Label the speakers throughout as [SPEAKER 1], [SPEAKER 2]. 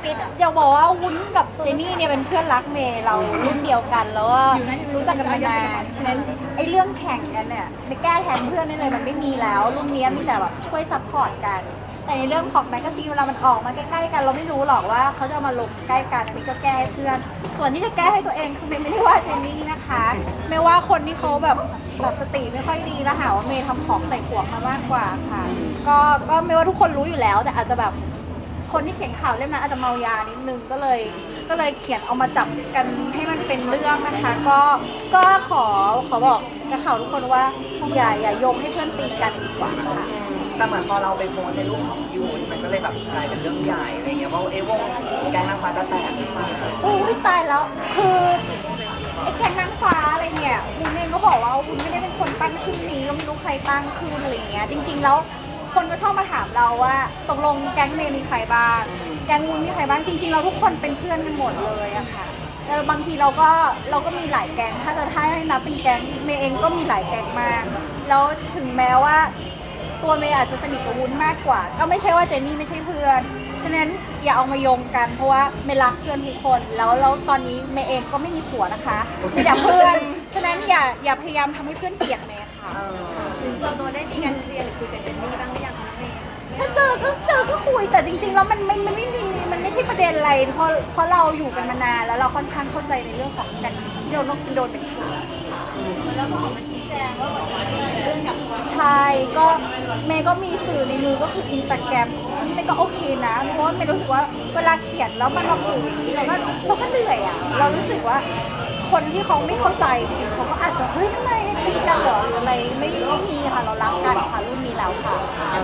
[SPEAKER 1] อยากบอกว่าวุ้นกับเจนี่เนี่ยเป็นเพื่อนรักเมย์เรารุ่นเดียวกันแล้วว่ารู้จักกันมานานฉะนั้นไอ้เรื่องแข่งกันเนี่ยในแก้แทนเพื่อนนี่เลยมันไม่มีแล้วรุ่นนี้มีแต่แบบช่วยซัพพอร์ตกันแต่ในเรื่องของแมกกาซีนเวลามันออกมาใกล้ๆกันเราไม่รู้หรอกว่าเขาจะมาลงใกล้กันอันนี้ก็แก้ให้เพื่อนส่วนที่จะแก้ให้ตัวเองคือเมย์ไม่ได้ว่าเจนนี่นะคะไม่ว่าคนที่เขาแบบสติไม่ค่อยดีแล้วหาว่าเมย์ทำของใส่ขวดมามากกว่าค่ะก็ไม่ว่าทุกคนรู้อยู่แล้วแต่อาจจะแบบคนที่เขียนข่าวเล่มนั้นอาจจะเมายานิดนึงก็เลยเขียนเอามาจับกันให้มันเป็นเรื่องนะคะก็ขอบอกนักข่าวทุกคนว่าอย่าโยงให้เพื่อนตีกันดีกว่าค่ะ
[SPEAKER 2] แต่เหมือนพอเราไปโพสในรูปของยูนมันก็เลยแบบกลายเป็นเรื่องใหญ่อะไรเงี้ยว่าวงแก๊งนางฟ้าจะแตกขึ้นมา
[SPEAKER 1] โอ้ยตายแล้วคือไอ้แก๊งนางฟ้าอะไรเนี่ยวุ้นเองก็บอกว่าวุ้นไม่ได้เป็นคนตั้งชื่อนี้ก็ไม่รู้ใครตั้งขึ้นอะไรเงี้ยจริงๆแล้วคนก็ชอบมาถามเราว่าตกลงแก๊งเมย์มีใครบ้างแก๊งวุ้นมีใครบ้างจริงๆเราทุกคนเป็นเพื่อนกันหมดเลยอะค่ะแต่บางทีเราก็มีหลายแก๊งถ้าให้นับเป็นแก๊งเมย์เองก็มีหลายแก๊งมากแล้วถึงแม้ว่าตัวเมย์อาจจะสนิทกับวุ้นมากกว่าก็ไม่ใช่ว่าเจนนี่ไม่ใช่เพื่อนฉะนั้นอย่าเอามาโยงกันเพราะว่าเมย์รักเพื่อนทุกคนแล้วตอนนี้เมย์เองก็ไม่มีผัวนะคะมีแต่เพื่อนฉะนั้นอย่าพยายามทำให้เพื่อนเกลียดเมย์ค่ะ
[SPEAKER 3] ส่วนตัวได้มีการเคลียร์หรือคุยกับเจนนี่บ้างหรือยังคะเมย์
[SPEAKER 1] ถ้าเจอก็คุยแต่จริงๆแล้วมันไม่มีมันไม่ใช่ประเด็นอะไรเพราะเราอยู่กันมานานแล้วเราค่อนข้างเข้าใจในเรื่องของกันที่โดนเป็นข่าว
[SPEAKER 3] แล้วก็ออกมาชี้แจงว่าเหมือนเรื่องกับ
[SPEAKER 1] ใช่ก็เมย์ก็มีสื่อในมือก็คือ Instagram ซึ่งเมย์ก็โอเคนะเพราะว่าเมย์รู้สึกว่าเวลาเขียนแล้วมันมาผูกอย่างนี้เราก็เหนื่อยอ่ะเรารู้สึกว่าคนที่เขาไม่เข้าใจจริงๆเขาก็อาจจะเฮ้ยทำไมตีกันเหรอหรืออะไรไม่มีค่ะเรารักกันค่ะรุ่นนี้แล้วค่ะ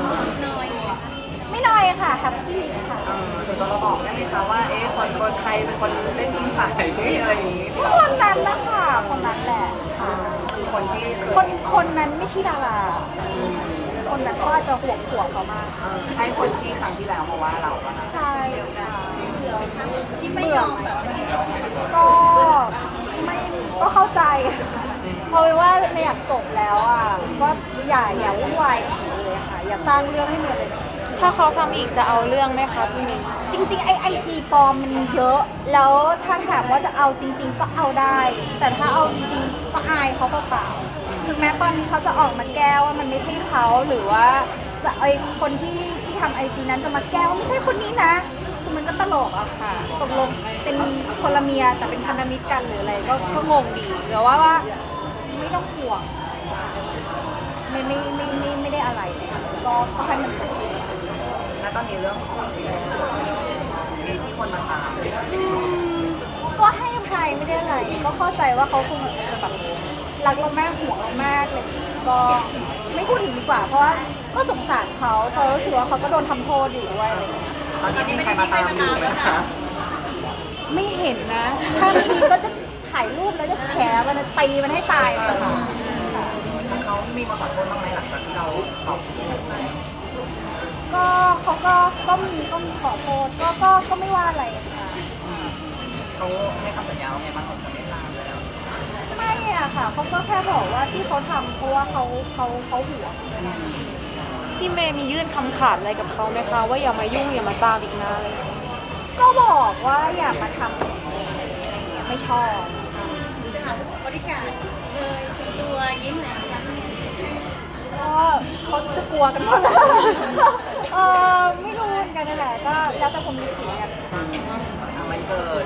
[SPEAKER 1] ไม่น้อยค่ะแฮปปี้ค่ะ
[SPEAKER 2] ส่วนตัวเราบอกได้ไหมคะว่าคนใครเป็นคนเล่นทิ้งสายอะไรอย่างนี้
[SPEAKER 1] คนนั้นนะคะคนนั้นแหละค่ะ
[SPEAKER 2] คือคนที่
[SPEAKER 1] คนนั้นไม่ใช่ดาราคนนั้นก็อาจจะห่วงเขามาก
[SPEAKER 2] ใช่คนที่ครั้งที่แล้วมาว่าเราปะ
[SPEAKER 1] ใช่
[SPEAKER 3] ที่ไม่ยอมแบบ
[SPEAKER 1] ก็ก็เข้าใจเอาไว้ว่าไม่อยากจบแล้วอ่ะก็อย่าวุ่นวายเลยค่ะอย่าสร้างเรื่องให้เมย์เลย
[SPEAKER 4] ถ้าเขาทำอีกจะเอาเรื่องไหมคะพี่มิน
[SPEAKER 1] จริงๆไอจีปลอมมันมีเยอะแล้วถ้าถามว่าจะเอาจริงๆก็เอาได้แต่ถ้าเอาจริงๆก็อายเขาเปล่าๆถึงแม้ตอนนี้เขาจะออกมาแก้ว่ามันไม่ใช่เขาหรือว่าจะไอคนที่ทำไอจีนั้นจะมาแก้ว่าไม่ใช่คนนี้นะคือมันก็ตลกอะค่ะตกลงเป็นคนละเมียแต่เป็นพันธมิตรกันหรืออะไรก็งงดีแต่ว่าไม่ต้องห่วงไม่ได้อะไรเลยก็ให้มันจบ
[SPEAKER 2] แล้วตอนนี้เรื่องของมีที่คนมาตาม
[SPEAKER 1] ก็ให้อภัยไม่ได้อะไรก็เข้าใจว่าเขาคงจะแบบรักเรามากห่วงเรามากเลยก็ไม่พูดถึงดีกว่าเพราะว่าก็สงสารเขาเพราะรู้สึกว่าเขาก็โดนทำโทษอยู่ด้วยอะไรอย่างเงี้ย
[SPEAKER 2] ตอนนี้มีใครมาตามอยู่ไหมคะ
[SPEAKER 1] ไม่เห็นนะถ้ามีก็จะถ่ายรูปแล้วจะแฉมันตีมันให้ตายเลยค่ะ
[SPEAKER 2] เขามีมาขอโทษบ้างไหมหลังจากที่เราตอบสิ่งนี้
[SPEAKER 1] ก็เขาก็มีขอโทษก็ไม่ว่าอะไรค่ะ
[SPEAKER 2] เขาให้คำสัญญาว่าไงบ้างเขาจะไม่ตามแล้ว
[SPEAKER 1] ไม่อะค่ะเขาก็แค่บอกว่าที่เขาทำเพราะว่าเขาห่วง
[SPEAKER 4] พี่เมย์มียื่นคำขาดอะไรกับเขาไหมคะว่าอย่ามายุ่งอย่ามาตามอีกนะอะไร
[SPEAKER 1] ก็บอกว่าอย่ามาทำอย่างนี้ไม่ชอบ
[SPEAKER 3] จะถามบริการเลยตัวยิ้มไหนคะ
[SPEAKER 1] ก็เขาจะกลัวกันหมดแล้วไม่รู้เหมือนกันนั่นแหละก็แล้วแต่ผมมีผีกัน
[SPEAKER 2] วันเกิด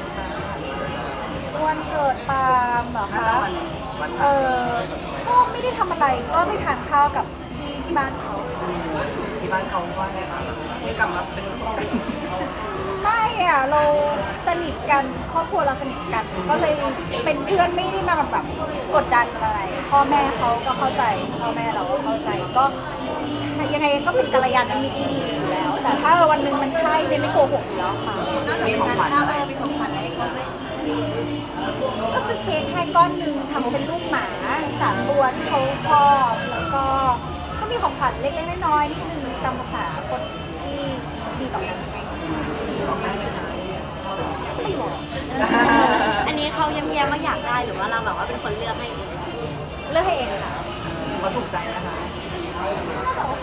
[SPEAKER 1] ปาล์มเหรอคะก็ไม่ได้ทำอะไรก็ไปทานข้าวกับที่บ้านเขา
[SPEAKER 2] ว่าไงบ้างไม่กลับมาเป็น
[SPEAKER 1] ไม่อะเราสนิทกันครอบครัวเราสนิทกันก็เลยเป็นเพื่อนไม่ได้มาแบบกดดันอะไรพ่อแม่เขาก็เข้าใจพ่อแม่เราก็เข้าใจก็ยังไงก็เป็นกัลยาณมิตรที่ดีอยู่แล้วแต่ถ้าวันหนึ่งมันใช่ไม่โกหกอยู่แล้วค่ะ
[SPEAKER 3] นอกจากมีของขวัญมีของขวัญอะไรให้เขาไหม
[SPEAKER 1] ก็ซื้อเค้กให้ก้อนหนึ่งทำเป็นรูปหมา3 ตัวที่เขาชอบแล้วก็มีของขวัญเล็กๆน้อยๆนิดนึงตามภาษาคนที่ดีต่อกันไม่บอก
[SPEAKER 3] อันนี้เขาเยี่ยมๆว่าอยากได้หรือว่าเราแบบว่าเป็นคนเลือกให้เอง
[SPEAKER 1] ค่ะ
[SPEAKER 2] เขาถูกใจนะคะ
[SPEAKER 1] น่าจะโอเค